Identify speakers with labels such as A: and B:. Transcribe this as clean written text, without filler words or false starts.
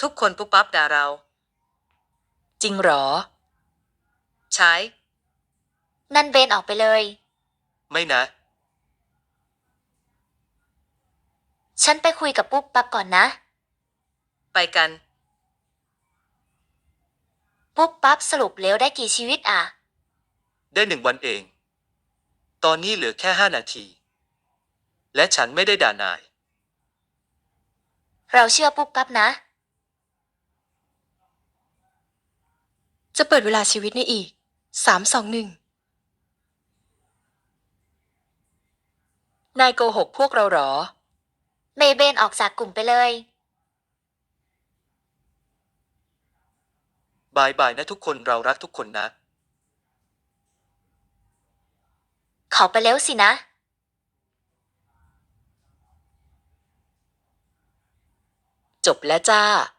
A: ทุกคนปุ๊บปั๊บด่าเรา
B: จริงเหรอ
A: ใช้
C: นั่นเบนออกไปเลย
A: ไม่นะ
C: ฉันไปคุยกับปุ๊บปั๊บก่อนนะ
A: ไปกัน
C: ปุ๊บปั๊บสรุปแล้วได้กี่ชีวิตอ่ะ
A: ได้1 วันเอง ตอนนี้เหลือแค่5 นาที และฉันไม่ได้ด่านาย
C: เราเชื่อปุ๊บปั๊บนะ
B: จะเปิดเวลาชีวิตในอีก3 2 1นายโกหกพวกเราเหรอ
C: เมย์เบนออกจากกลุ่มไปเลย
A: บายบายนะทุกคนเรารักทุกคนนะ
C: เขาไปแล้วสินะ
B: จบแล้วจ้า